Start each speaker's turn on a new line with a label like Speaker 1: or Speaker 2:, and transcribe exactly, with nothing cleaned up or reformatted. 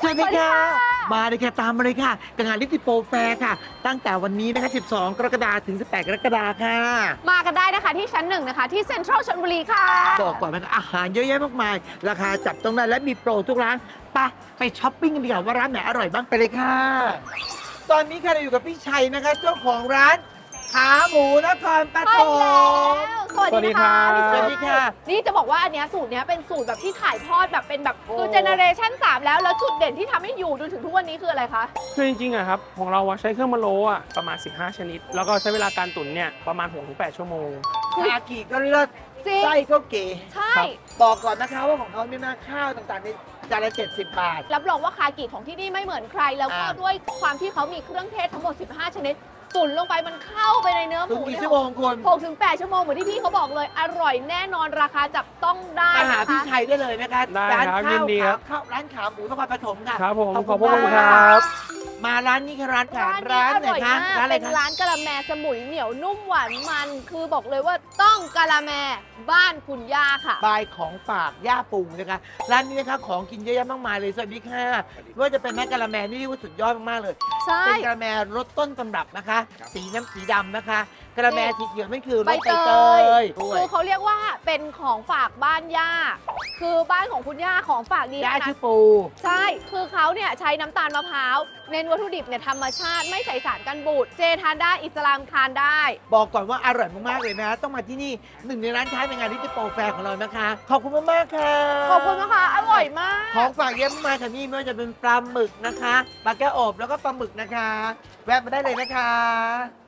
Speaker 1: วัสดีค่ะมาเลยค่ะตามมาเลยค่ะกับงานลิติโปรแฟร์ค่ะตั้งแต่วันนี้นะคะสิบสองกรกฎาคมถึงสิบแปดกรกฎาคมค่ะ
Speaker 2: มากันได้นะคะที่ชั้นหนึ่งนะคะที่เซ็นทรัลชลบุรีค่ะ
Speaker 1: บอกก่อนนะคะอาหารเยอะแยะมากมายราคาจับต้องได้และมีโปรทุกร้านไปไปช้อปปิ้งกันดีกว่าว่าร้านไหนอร่อยบ้างไปเลยค่ะตอนนี้ค่ะเราอยู่กับพี่ชัยนะคะเจ้าของร้านขาหมูนครปฐ
Speaker 2: ใช่แล้
Speaker 1: ม
Speaker 2: วสวัสดีค่ะพี่
Speaker 1: ส
Speaker 2: ชั
Speaker 1: วั
Speaker 2: ย
Speaker 1: สดีค่ะ
Speaker 2: นี่จะบอกว่าอันเนี้ยสูตรเนี้ยเป็นสูตรแบบที่ถ่ายทอดแบบเป็นแบบ
Speaker 1: โอ้
Speaker 2: คือเจเนอเรชันสามแล้วแล้วจุดเด่นที่ทำให้อยู่จนถึงทุกวันนี้คืออะไรคะ
Speaker 3: คือจริงๆอะครับของเราอะใช้เครื่องมะโล้อะประมาณ สิบห้า ชนิด แล้วก็ใช้เวลาการตุ๋นเนี่ยประมาณ หกถึงแปด ชั่วโมง
Speaker 1: คากิก็เลิศ
Speaker 2: จริง
Speaker 1: ไส้ก็เก๋
Speaker 2: ใช่
Speaker 3: ครับ
Speaker 1: บอกก่อนนะคะว่าของเขาเนี่ยนะข้าวต่างๆในจานละเจ็ดสิบบาท
Speaker 2: รับรองว่าคากิของที่นี่ไม่เหมือนใคร แล้วก็
Speaker 1: อ่า
Speaker 2: ด้วยความที่เขามีเครื่องเทศทั้งหมด สิบห้า ชนิด ตุ๋นลงไปมันเข้าไปในเนื้อห
Speaker 1: ถึง
Speaker 2: มู
Speaker 1: กี่
Speaker 2: เนี่ย
Speaker 1: ชั่วโมงคุณ
Speaker 2: หกถึงแปดชั่วโมงเหมือนที่พี่เขาบอกเลย อร่อยแน่นอนราคาจับต้องได้
Speaker 1: มาหา
Speaker 2: นะ
Speaker 1: พี่
Speaker 2: คะ
Speaker 1: ชัยได้เลยนะคะ
Speaker 3: ได้
Speaker 1: ร้าน
Speaker 3: ครับ
Speaker 1: ข้าว
Speaker 3: ยินดีครับ
Speaker 1: ขาข้าวร้านขาหมูนครปฐมค่ะ
Speaker 3: ครับผม
Speaker 1: ขอบ
Speaker 3: ขอบ
Speaker 1: คุ
Speaker 3: คุณ ณ
Speaker 1: มาก
Speaker 3: ครับ
Speaker 1: มาร้านนี้ค่ะร้านขา
Speaker 2: ร้าน
Speaker 1: ร้าน
Speaker 2: นี้
Speaker 1: ไหน
Speaker 2: อร่อย
Speaker 1: คะ
Speaker 2: มาก
Speaker 1: ร้านอะไร
Speaker 2: เป็น
Speaker 1: คะ
Speaker 2: ร้านกะละแมสมุยเหนียวนุ่มหวานมัน คือบอกเลยว่าต้องกะละแมบ้านคุณย่าค่ะ
Speaker 1: บายของฝากย่าปูนะคะร้านนี้นะคะของกินเยอะแยะมากมายเลยสวัสดีค่ะไม่ว่าจะเป็นแม่กะละแมนี่เรียกว่าสุดยอดมากๆเลย
Speaker 2: ใช่
Speaker 1: เป็นกะละแมรสต้นตำรับนะคะ สีน้ำสีดำนะคะกะละแมสีเขียวนั่นคือร
Speaker 2: ใบ
Speaker 1: สใบ
Speaker 2: เต
Speaker 1: เต
Speaker 2: ย
Speaker 1: ยด้วย
Speaker 2: คือเขาเรียกว่าเป็นของฝากบ้านย่า คือบ้านของคุณย่าของฝากดี
Speaker 1: ย่า
Speaker 2: นะ
Speaker 1: ชื่อปู
Speaker 2: ใช่ คือเขาเนี่ยใช้น้ำตาลมะพร้าวเน้นวัตถุดิบเนี่ยธรรมชาติไม่ใส่สารกันบูด เจทานได้อิสลามทานได้
Speaker 1: บอกก่อนว่าอร่อยมากๆเลยนะต้องมาที่นี่หนึ่งในร้านค้าในงานลิติโปรแฟร์ของเรานะคะ ขอบคุณมากๆค่ะ
Speaker 2: ขอบคุณนะคะ อร่อยมาก
Speaker 1: ของฝากเยอะมากค่ะนี่ไม่ว่าจะเป็นปลาหมึกนะคะปลาแก้วอบแล้วก็ปลาหมึกนะคะ แวะมาได้เลยนะคะ